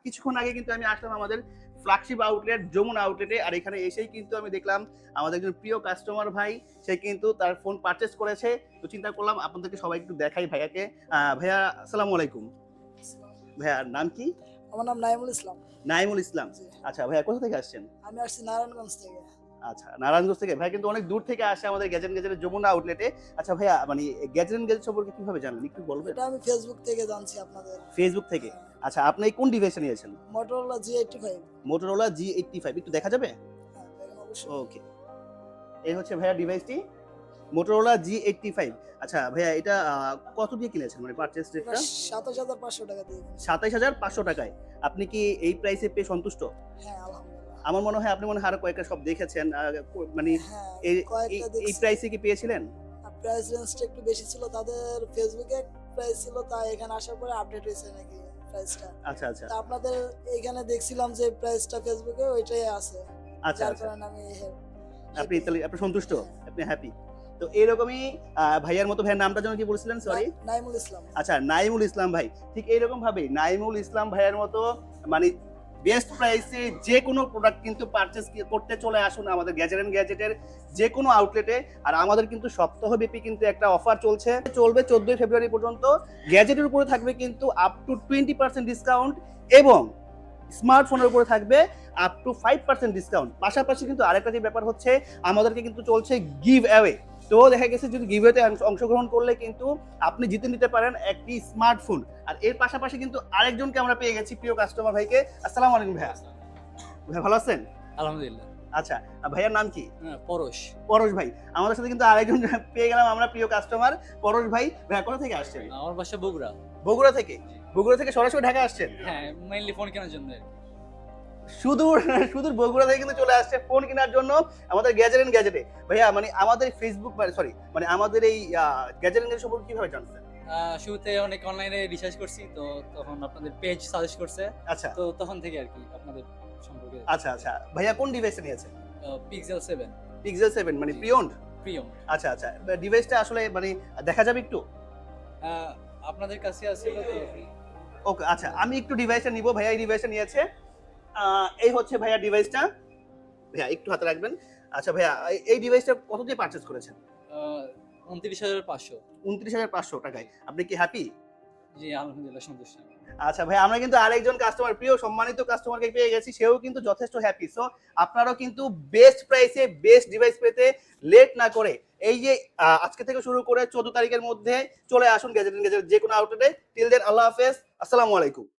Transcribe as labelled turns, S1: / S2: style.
S1: কিছুক্ষণ আগে কিন্তু আমি আসলাম আমাদের ফ্ল্যাগশিপ আউটলেট যমুনা আউটলেটে, আর এখানে এসেই কিন্তু আমি দেখলাম আমাদের একজন প্রিয় কাস্টমার ভাই, সে কিন্তু তার ফোন পারচেস করেছে। তো চিন্তা করলাম আপনাদেরকে সবাই একটু দেখাই ভাইয়াকে। ভাইয়া আসসালামু আলাইকুম। ভাইয়ার নাম কি?
S2: আমার নাম নাইমুল ইসলাম।
S1: নাইমুল ইসলাম।
S2: জি।
S1: আচ্ছা ভাইয়া কোথা থেকে আসছেন?
S2: আমি আসছি নারায়ণগঞ্জ থেকে।
S1: আচ্ছা, নারায়ণগঞ্জ থেকে। ভাই কিন্তু অনেক দূর থেকে আসে আমাদের গ্যাজেট গ্যাজেটের যমুনা আউটলেটে। আচ্ছা ভাইয়া মানে গ্যাজেট গ্যাজেট সম্পর্কে কিভাবে জানলেন একটু বলবেন?
S2: এটা আমি ফেসবুক থেকে জানছি আপনাদের।
S1: ফেসবুক থেকে। আচ্ছা, আপনি কোন ডিভাইসটা নিয়েছেন?
S2: Motorola G85।
S1: Motorola G85 একটু দেখা যাবে?
S2: হ্যাঁ, দেখেন অবশ্যই।
S1: ওকে। এই হচ্ছে ভাইয়া ডিভাইসটি Motorola G85। আচ্ছা ভাইয়া এটা কত দিয়ে কিনেছেন মানে পারচেজ
S2: এটা
S1: রেটটা?
S2: 27,500 টাকা দিয়ে কিনেছি।
S1: ২৭,৫০০ টাকায়। আপনি কি এই প্রাইসে পেয়ে সন্তুষ্ট?
S2: হ্যাঁ, আলহামদুলিল্লাহ।
S1: আমার মনে হয় আপনি মনে হয় আরো কয়েকটা শপ দেখেছেন। মানে
S2: হ্যাঁ,
S1: এই এই
S2: কয়েকটা
S1: এই
S2: দেখছি।
S1: প্রাইসে কি পেয়েছিলেন?
S2: প্রাইস রেঞ্জটা একটু বেশি ছিল তাদের। ফেসবুকে প্রাইস ছিল, তাই এখানে আসার পরে আপডেট হয়েছে নাকি প্রাইসটা।
S1: আচ্ছা, আচ্ছা।
S2: তা আপনাদের এইখানে দেখছিলাম যে প্রাইসটা ফেসবুকে ওইটাই আছে।
S1: আচ্ছা,
S2: যার
S1: আচ্ছা।
S2: কারণে আমি
S1: আপনি
S2: হ্যাপি।
S1: তাহলে আপনি সন্তুষ্ট?
S2: হ্যাঁ।
S1: আপনি হ্যাপি। তো এরকমই ভাইয়ার মতো ভাইয়ের নামটা যেন কি বলছিলেন? সরি।
S2: নাইমুল ইসলাম।
S1: আচ্ছা, নাইমুল ইসলাম ভাই। ঠিক এইরকম ভাবেই নাইমুল ইসলাম ভাইয়ের মতো মানে বেস্ট প্রাইসে যেকোনো প্রোডাক্ট কিন্তু পারচেজ করতে চলে আসুন আমাদের গ্যাজেট এন্ড গ্যাজেটের যেকোনো আউটলেটে। আর আমাদের কিন্তু সপ্তাহব্যাপী কিন্তু একটা অফার চলছে, চলবে 14 ফেব্রুয়ারি পর্যন্ত। গ্যাজেটের উপরে থাকবে কিন্তু আপ টু 20% ডিসকাউন্ট এবং স্মার্টফোনের উপরে থাকবে আপ টু 5% ডিসকাউন্ট। পাশাপাশি কিন্তু আরেকটা যে ব্যাপার হচ্ছে, আমাদেরকে কিন্তু চলছে গিভ অ্যাওয়ে। তো দেখা গেছে যদি গিভওয়েতে অংশগ্রহণ করলে কিন্তু আপনি জিতে নিতে পারেন একটি স্মার্টফোন। আর এর পাশাপাশি কিন্তু আরেকজনকে আমরা পেয়ে গেছি, প্রিয় কাস্টমার ভাইকে। আসসালামু আলাইকুম ভাইয়া। ভাই ভালো আছেন?
S3: আলহামদুলিল্লাহ।
S1: আচ্ছা, ভাইয়ার নাম কি?
S3: পরশ।
S1: পরশ ভাই। আমাদের সাথে কিন্তু আরেকজন পেয়ে গেলাম আমরা, প্রিয় কাস্টমার পরশ ভাই। ভাইয়া কোথা থেকে আসছেন?
S3: আমার বাসা বগুড়া।
S1: বগুড়া থেকে? বগুড়া থেকে সরাসরি ঢাকা আসছেন?
S3: হ্যাঁ, মেইনলি ফোন কেনার জন্য।
S1: সুদূর সুদূর বগুড়া থেকে কিন্তু চলে আসছে ফোন কেনার জন্য আমাদের গ্যাজেট এন্ড গ্যাজেটে। ভাইয়া মানে আমাদের ফেসবুক সরি মানে আমাদের এই গ্যাজেট এন্ড গ্যাজেট সম্পর্কে কিভাবে জানছেন?
S3: শুরুতে অনেক অনলাইনে রিসার্চ করছি, তো তখন আপনাদের পেজ সাজেস্ট করছে।
S1: আচ্ছা,
S3: তো তখন থেকে আর কি আপনাদের সম্পর্কে।
S1: আচ্ছা, আচ্ছা। ভাইয়া কোন ডিভাইসটা নিয়েছেন?
S3: পিক্সেল 7
S1: পিক্সেল 7 মানে প্রিয়ন্ড?
S3: প্রিয়ম।
S1: আচ্ছা, আচ্ছা। ডিভাইসটা আসলে মানে দেখা যাবে একটু?
S3: আপনাদের কাছে আছে তো?
S1: ওকে, আচ্ছা। আমি একটু ডিভাইসটা নিব। ভাইয়া এই ডিভাইসটা নিয়েছে। এই হচ্ছে ভাইয়া ডিভাইসটা। ভাইয়া একটু হাতে রাখবেন। আচ্ছা ভাইয়া এই ডিভাইসটা কত দিয়ে পারচেজ করেছেন?
S3: 29,500।
S1: 29,500 টাকায়। আপনি কি হ্যাপি?
S3: জি, আলহামদুলিল্লাহ সন্তুষ্ট।
S1: আচ্ছা ভাই, আমরা কিন্তু আরেকজন কাস্টমার, প্রিয় সম্মানিত কাস্টমারকে পেয়ে গেছি, সেও কিন্তু যথেষ্ট হ্যাপি। সো আপনারাও কিন্তু বেস্ট প্রাইসে বেস্ট ডিভাইস পেতে লেট না করে এই যে আজকে থেকে শুরু করে 14 তারিখের মধ্যে চলে আসুন গ্যাজেট যে কোনো আউটলেটে। টিল দেন আল্লাহ হাফেজ, আসসালামু আলাইকুম।